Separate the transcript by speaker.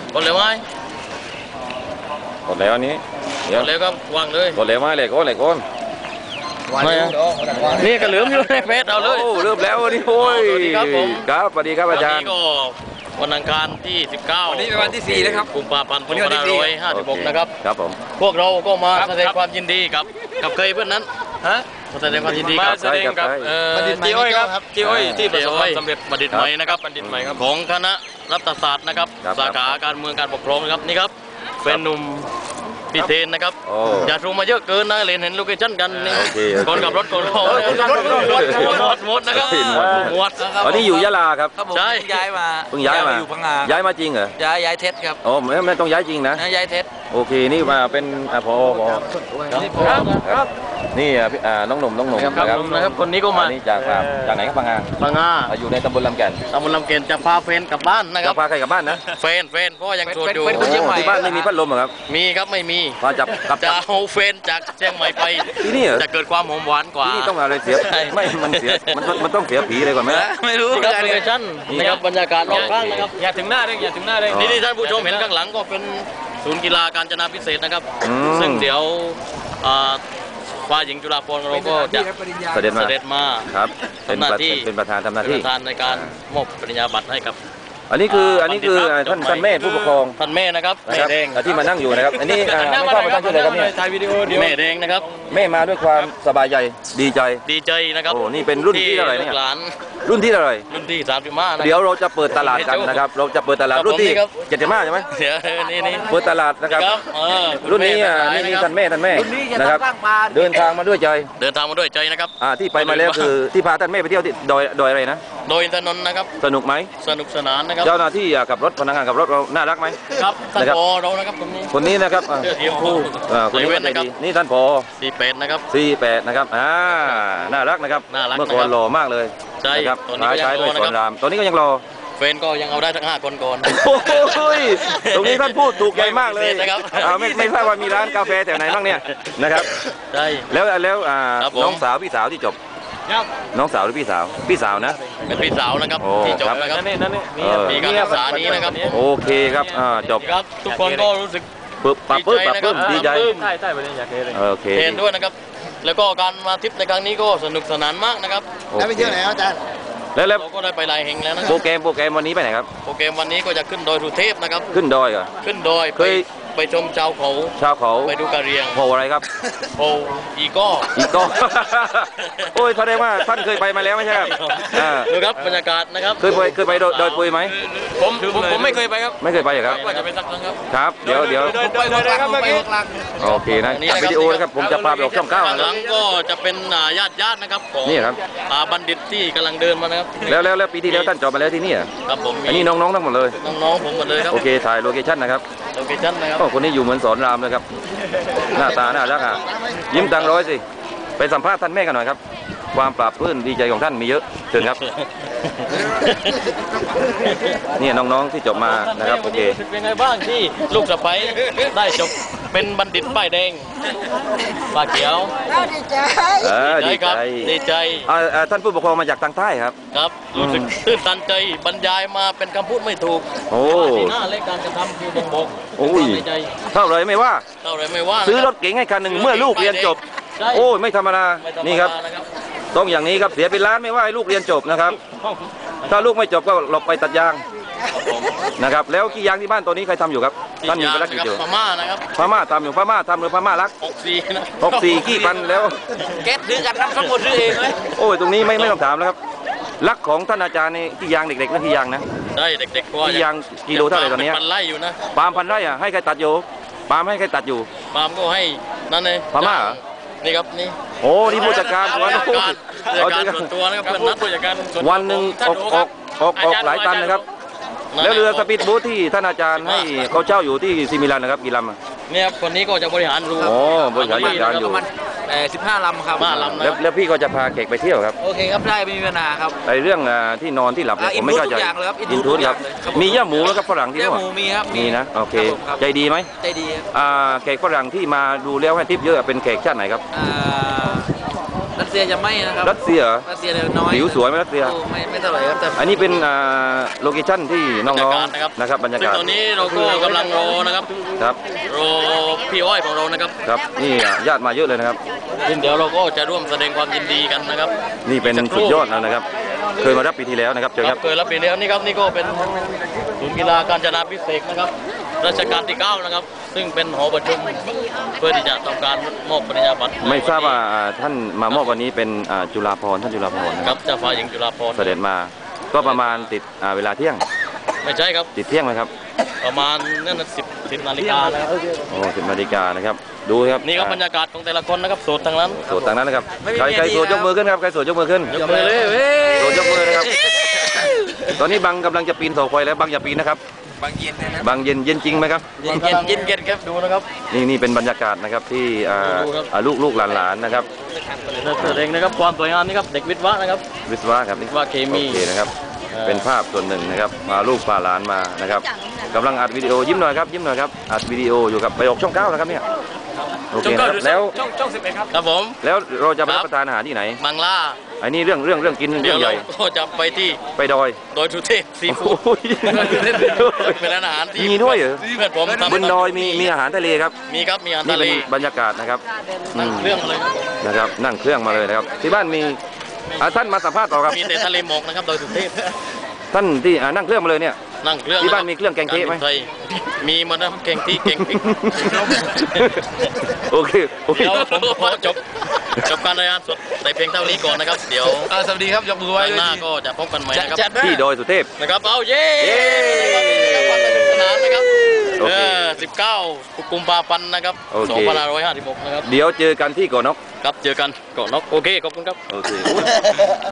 Speaker 1: กดเลยไหม
Speaker 2: กดแล้วอันนี้
Speaker 1: กดเลยก็วางเลย
Speaker 2: กดแล้วไหมเลยก้นเลยก้น
Speaker 1: นี่ก็เหลือมอยู่ในเฟซเอาเลย
Speaker 2: เริ่มแล้วนี่โอ้ย
Speaker 1: ครับผม
Speaker 2: ครับสวัสดีครับอาจารย์
Speaker 1: วันอังคารที่19
Speaker 3: วันนี้เป็นวันที่4แล้วครับ
Speaker 1: กุมภาพันธ์2556นะครับ
Speaker 2: ครับผม
Speaker 1: พวกเราก็มาแสดงความยินดีกับเคยเพื่อนนั้นมาแสดงความยินดีกับ
Speaker 3: แสดงกับจีอ้อยครับจีอ้อยที่ประสบความสำเร็จ
Speaker 1: บัณฑิตใหม่นะครับ
Speaker 3: บัณฑิตใหม่ครับ
Speaker 1: ของคณะรัฐศาสตร์นะครับสาขาการเมืองการปกครองนะครับนี่ครับเป็นหนุ่มพี่เทนนะครับอย่าทูมาเยอะเกินนะเห็นโลเคชั่นกันนี่คนกับรถคนรถหมดนะครับหมด
Speaker 2: ตอนนี้อยู่ยะลาครับ
Speaker 1: ใช่
Speaker 3: ย้ายมา
Speaker 2: เพิ่งย้ายมา
Speaker 3: อยู่พังงา
Speaker 2: ย้ายมาจริงเหรอ
Speaker 3: ย้ายเท็จครับ
Speaker 2: โอ้ไม่ต้องย้ายจริงนะ
Speaker 3: ย้ายเท็จ
Speaker 2: โอเคนี่มาเป็นพอครับนี่น้องหนุ่ม
Speaker 1: นะครับคนนี้ก็มา
Speaker 2: นี่จากไหนครับพังงาอยู่ในตำบลลำแก่น
Speaker 1: จะพาแฟนกลับบ้านนะครับ
Speaker 2: พาใครกลับบ้านนะ
Speaker 1: แฟนเพราะยังโสดอยู่
Speaker 2: ที่บ้านไม่มีพัดลมเหรอครับ
Speaker 1: มีครับไม่มี
Speaker 2: พา
Speaker 1: จะเอาแฟนจากเชียงใหม่ไป
Speaker 2: ที่นี่
Speaker 1: จะเกิดความหอมหวานกว่า
Speaker 2: ที่นี่ต้องอะไรเสียไม่มันเสียมันต้องเสียผีเลยก่อนไหม
Speaker 1: ไม่รู้ครับโลเคชั่นนะครับบรรยากาศรอบข้างนะครับ
Speaker 3: อย่าถึงหน้าเลย
Speaker 1: นี่ท่านผู้ชมเห็นข้างหลังก็เป็นศูนย์กีฬาการจนาพิเศษนะครับซึ่งเดี๋ยวฝ่ายหญิงจุฬาภรณ์เราก็จะ
Speaker 2: เสด็จมาครับเป็นประธานทำหน้าที่
Speaker 1: ในการมอบปริญญาบัตรให้กับ
Speaker 2: อันนี้คือท่านแม่ผู้ปกครอง
Speaker 1: ท่านแม่นะครับแม่แดง
Speaker 2: ที่มานั่งอยู่นะครับอันนี้ไม่ทราบว่าท่านชื่ออะไรครับเนี่ย
Speaker 3: ถ่ายวิดีโอเดี๋ยว
Speaker 1: แม่แดงนะครับ
Speaker 2: แม่มาด้วยความสบายใจดีใจ
Speaker 1: นะครับ
Speaker 2: โอ้นี่เป็นรุ่นที่เท่าไหร่เนี่ยรุ่นที่เท่าไหร่
Speaker 1: รุ่นที่35นะ
Speaker 2: เดี๋ยวเราจะเปิดตลาดกันนะครับเราจะเปิดตลาดรุ่นที่75ใช่ไหม
Speaker 1: เดี๋ยวนี่
Speaker 2: เปิดตลาดนะครับรุ่นนี้นี่ท่านแม่นะครับเดินทางมาด้วยใจ
Speaker 1: นะครับ
Speaker 2: ที่ไปมาแล้วคือที่พาท่านแม่ไปเที่ยวที่ดอยอะไรนะ
Speaker 1: โดยถนนนะครับ
Speaker 2: สนุกไหม
Speaker 1: สนุกสนานนะครับ
Speaker 2: เจ้าหน้าที่ขับรถพนักงานขับรถเราน่ารักไหม
Speaker 1: ครับท่านผอเรานะครับ
Speaker 2: คนนี้นะครับ
Speaker 1: เสื้อสีชมพู
Speaker 2: คนนี้นะครับนี่ท่านผอ
Speaker 1: 48นะครับ
Speaker 2: นะครับน่ารักนะครับเมื่อก่อนหล่อมากเลย
Speaker 1: ใช่
Speaker 2: ครับใช้ด้วยสอนรามตอนนี้ก็ยังรอ
Speaker 1: เฟนก็ยังเอาได้ทั้ง5 คนก่อน
Speaker 2: โอ้ยตรงนี้ท่านพูดถูกใจมากเลยไม่ทราบว่ามีร้านกาแฟแถวไหนบ้างเนี่ยนะครับ
Speaker 1: ใช่
Speaker 2: แล้วน้องสาวพี่สาวที่จบน้องสาวหรือพี่สาวนะ
Speaker 1: เป็นพี่สาวนะครับที่จบนะครับมีการศึกษานี้นะครับ
Speaker 2: โอเคครับจบ
Speaker 1: ครับทุกคนก็รู้สึก
Speaker 2: ปรับดีใจ
Speaker 3: ใช่ประเด็นอยากเลย
Speaker 2: โอเค
Speaker 1: เห็นด้วยนะครับแล้วก็การมาทริปในครั้งนี้ก็สนุกสนานมากนะครับ
Speaker 2: แล้ว
Speaker 3: ไปเที่ยวไหนอาจารย์
Speaker 2: แล้ว
Speaker 1: เราก็ได้ไปหลายแห่งแล้วนะ
Speaker 2: โปรแกรมวันนี้ไปไหนครับ
Speaker 1: โปรแกรมวันนี้ก็จะขึ้นดอยสุเทพนะครับ
Speaker 2: ขึ้นดอยเหรอ
Speaker 1: ขึ้นดอยไปชมชาวเขาไปดูกะเหรี่ยง
Speaker 2: โผอะไรครับ
Speaker 1: โผอีก้อ
Speaker 2: โอ้ยแสดงว่าท่านเคยไปมาแล้วไม่ใช่ครับ
Speaker 1: ดูครับบรรยากาศนะครับ
Speaker 2: เคยไปดอยปุยไหม
Speaker 3: ผมไม่เคยไปครับ
Speaker 2: ไม่เคยไปครับ
Speaker 1: ว่าจะไปสักครั้ง
Speaker 2: ครับเดี๋ยว
Speaker 3: ครับเมื่อกี้
Speaker 2: โอเคนะวิดีโอนะครับผมจะพาไปออกช่อง9
Speaker 1: หลังก็จะเป็นญาตินะครับของ
Speaker 2: นี่ครับ
Speaker 1: บัณฑิตที่กำลังเดินมานะครับ
Speaker 2: แล้วปีที่แล้วท่านจบมาแล้วที่นี่
Speaker 1: ครับผม
Speaker 2: อันนี้น้องทั้งหมดเลย
Speaker 1: น้องผมหมดเลยครับ
Speaker 2: โอเคถ่ายโลเคชั่นนะครับคนนี้อยู่เหมือนสอนรามเลยครับหน้าตาน่ารักยิ้มตังร้อยสิไปสัมภาษณ์ท่านแม่กันหน่อยครับความปราบปลื้มดีใจของท่านมีเยอะเชิญครับนี่น้องๆที่จบมานะครับโอเค
Speaker 1: เป็นไงบ้างที่ลูกสะใภ้ได้จบเป็นบัณฑิตป้ายแดงป้าเขียวดีใจ
Speaker 2: ท่านผู้ปกครองมาจากทางใต้ครับ
Speaker 1: ครับรู้สึกตื้นตันใจบรรยายมาเป็นคำพูดไม่ถูกที่หน้าและการกระทำคือบอก
Speaker 2: โอ้ยเท่าไรไม่ว่าซื้อรถเก๋งให้คันหนึ่งเมื่อลูกเรียนจบโอ้ยไม่ธรรมดานี่ครับต้องอย่างนี้ครับเสียเป็นล้านไม่ว่าให้ลูกเรียนจบนะครับถ้าลูกไม่จบก็หลบไปตัดยางนะครับแล้วกี่ยางที่บ้านตัวนี้ใครทำอยู่ครับท่านมีภารกิจอยู่
Speaker 1: พม่านะครับ
Speaker 2: พม่าทำอยู่พม่าทำหรือพม่ารัก64ขี้พันแล้ว
Speaker 1: แก๊สซื้อกันทั้งหมดซื้อเองเลย
Speaker 2: โอ้ยตรงนี้ไม่ต้องถามแล้วครับรักของท่านอาจารย์นี่กี่ยางเด็กๆนั่นกี่ยางนะ
Speaker 1: ได้เด็กๆ
Speaker 2: กี่ยางกิโลเท่าไหร่ตอนนี้
Speaker 1: พันไร่อยู่นะ
Speaker 2: ปาล์มพันไร่อ่ะให้ใครตัดอยู่ปาล์มให้ใครตัดอยู่
Speaker 1: ปาล์มก็ให้นั่นเลย
Speaker 2: พม่า
Speaker 1: นี่ครับนี่
Speaker 2: โอ้นี่ผู้จัดการ
Speaker 1: ส่วนตัวนะครับเป็นนักผู้จัดการ
Speaker 2: วันหนึ่งออกหลายตันนะครับแล้วเรือสปีดโบ๊ทที่ท่านอาจารย์ให้เขาเช่าอยู่ที่ซิมิลันนะครับกี่ลำ
Speaker 1: เนี่ยครับคนนี้ก็จะบริหารรู
Speaker 2: บริหารอยู่
Speaker 3: 15 ลำครับ
Speaker 1: 5 ลำ
Speaker 2: แล้วพี่ก็จะพาแขกไปเที่ยวครับ
Speaker 3: โอเคครับได้ไม่มีปัญหาครับ
Speaker 2: ในเรื่องที่นอนที่หลับผมไม่เข้าใจอินทูสครับมีย่าหมูแล้วก็ฝรั่งที่
Speaker 3: นี่หมูมีครับ
Speaker 2: มีนะโอเคใจดีไหม
Speaker 3: ใจดี
Speaker 2: แขกฝรั่งที่มาดูแล้วให้ทิปเยอะเป็นแขกชาติไหนครับ
Speaker 3: รัสเซียจะไม่นะครับ
Speaker 2: รัสเซียเหรอ
Speaker 3: รัสเซียเดี๋ยวน้อย
Speaker 2: ผิวสวยไหมรัสเซีย
Speaker 3: ไม่เท่าไหร่ครับแต่
Speaker 2: อันนี้เป็นโลเคชั่นที่น้องๆนะครับบรรยา
Speaker 1: ซึ่ง
Speaker 2: กาศ
Speaker 1: ตอนนี้เราก็กำลังรอนะครับ
Speaker 2: ครับ
Speaker 1: รอพี่อ้อยของเรานะครับ
Speaker 2: ครับนี่ญาติมาเยอะเลยนะครับ
Speaker 1: ซึ่งเดี๋ยวเราก็จะร่วมแสดงความยินดีกันนะครับ
Speaker 2: นี่เป็นสุดยอดแล้วนะครับ เคยมารับปีที่แล้วนะครับเจอ
Speaker 1: ค
Speaker 2: ค
Speaker 1: รั
Speaker 2: รั
Speaker 1: บบ เคยรับปีแล้วนี่ครับนี่ก็เป็นศูนย์กีฬาการจนาพิเศษกนะครับรัชกาลที่ 9นะครับซึ่งเป็นหอประชุมเพื่อที่จะทำการมอบปริญญาบัตร
Speaker 2: ไม่ทราบว่าท่านมามอบวันนี้เป็นจุฬาภรณ์ท่านจุฬาภรณ์นะ
Speaker 1: ค
Speaker 2: ค
Speaker 1: รั
Speaker 2: รั
Speaker 1: บบ เจ้าฟ้าหญิงจุฬาภรณ์
Speaker 2: เสด็จมาก็ประมาณติดเวลาเที่ยง
Speaker 1: ไม่ใช่ครับ
Speaker 2: ติดเที่ยงไหมครับ
Speaker 1: ประมาณนั่นนะ10 นาฬิกานะครับ
Speaker 2: โอ้10 นาฬิกานะครับดูครับ
Speaker 1: นี่ครับบรรยากาศของแต่ละคนนะครับโสดทั้งนั้น
Speaker 2: โสดต่างนั้นนะครับใครโสดยกมือขึ้นครับใครโสดยกมือขึ้น
Speaker 1: ยกมือเลยเว้ย
Speaker 2: โสดยกมือนะครับ ตอนนี้บังกำลังจะปีนเสาไฟแล้วบังอย่าปีนนะครับ
Speaker 3: บางเย็นนะ
Speaker 2: บังเย็นเย็นจริงไหมครับ
Speaker 1: เย็นครับดูนะครับ
Speaker 2: นี่เป็นบรรยากาศนะครับที่ลูกหลานๆนะครับ
Speaker 1: แสดงนะครับความสวยงามนี่ครับเด็กวิทย์วะนะครับ
Speaker 2: วิศวะครับนี่
Speaker 1: วิศวะเคมี
Speaker 2: โอเคนะครับเป็นภาพส่วนหนึ่งนะครับมาลูกพาหลานมานะครับกำลังอัดวิดีโอยิ้มหน่อยครับยิ้มหน่อยครับอัดวิดีโออยู่กับไปออกช่อง 9นะครับเนี่ยโอเคนะครับแล้ว
Speaker 3: ช่อง11ครับ
Speaker 1: ครับผม
Speaker 2: แล้วเราจะไปรับประทานอาหารที่ไหน
Speaker 1: บังล่า
Speaker 2: อันนี้เรื่องกิน
Speaker 1: เดี๋
Speaker 2: เรื่
Speaker 1: ย
Speaker 2: อ
Speaker 1: ว
Speaker 2: งให
Speaker 1: เรา
Speaker 2: ญ่
Speaker 1: ก็จะไปที่
Speaker 2: ไปดอย
Speaker 1: ดอยสุเทพซีฟู้ด
Speaker 2: โอ้ย
Speaker 1: เป็นร้านอาหารที่
Speaker 2: มีด้วยเหรอ
Speaker 1: เพื่อนผมทำ
Speaker 2: บนดอยมีอาหารทะเลครับ
Speaker 1: มีครับมีอาหาร
Speaker 2: นี่
Speaker 1: ทะเล
Speaker 2: เป็นบรรยากาศนะครับอื
Speaker 1: นั่ง
Speaker 2: ม
Speaker 1: เครื่องมาเลยครับ
Speaker 2: นะครับนั่งเครื่องมาเลยนะครับที่บ้านมีท่านมาสัมภาษณ์ต่อครับ
Speaker 1: มีแต่ทะเลหมอกนะครับดอยสุเทพ
Speaker 2: ท่านที่นั่งเครื่องมาเลยเนี่ย
Speaker 1: นั่งเครื่อง
Speaker 2: ที่บ้านมีเครื่องแกงเค้กไหม
Speaker 1: ารบินทยมีหมานะแกงที่แกงพริก
Speaker 2: โอเคโอเค
Speaker 1: เดี๋ยวผมขอจบการรายงานสดแต่เพียงเท่านี้ก่อนนะครับ เดี๋ยว
Speaker 3: สวัสดีครับยกมือไหว้
Speaker 1: ครั้ง
Speaker 3: ด้วย
Speaker 1: หน้าก็จะพบกันใหม่นะครับ
Speaker 2: ที่ดอยสุเทพ
Speaker 1: นะครับเอาเย้
Speaker 2: เย้
Speaker 1: วันสนุกสนานนะครับ
Speaker 2: โอเค
Speaker 1: 19 กุมภาพันธ์นะครับ
Speaker 2: โอเค
Speaker 1: 2556นะครับ
Speaker 2: เดี๋ยวเจอกันที่เกาะนก
Speaker 1: ครับเจอกันก่อนนกโอเคขอบคุณครับ
Speaker 2: โอเค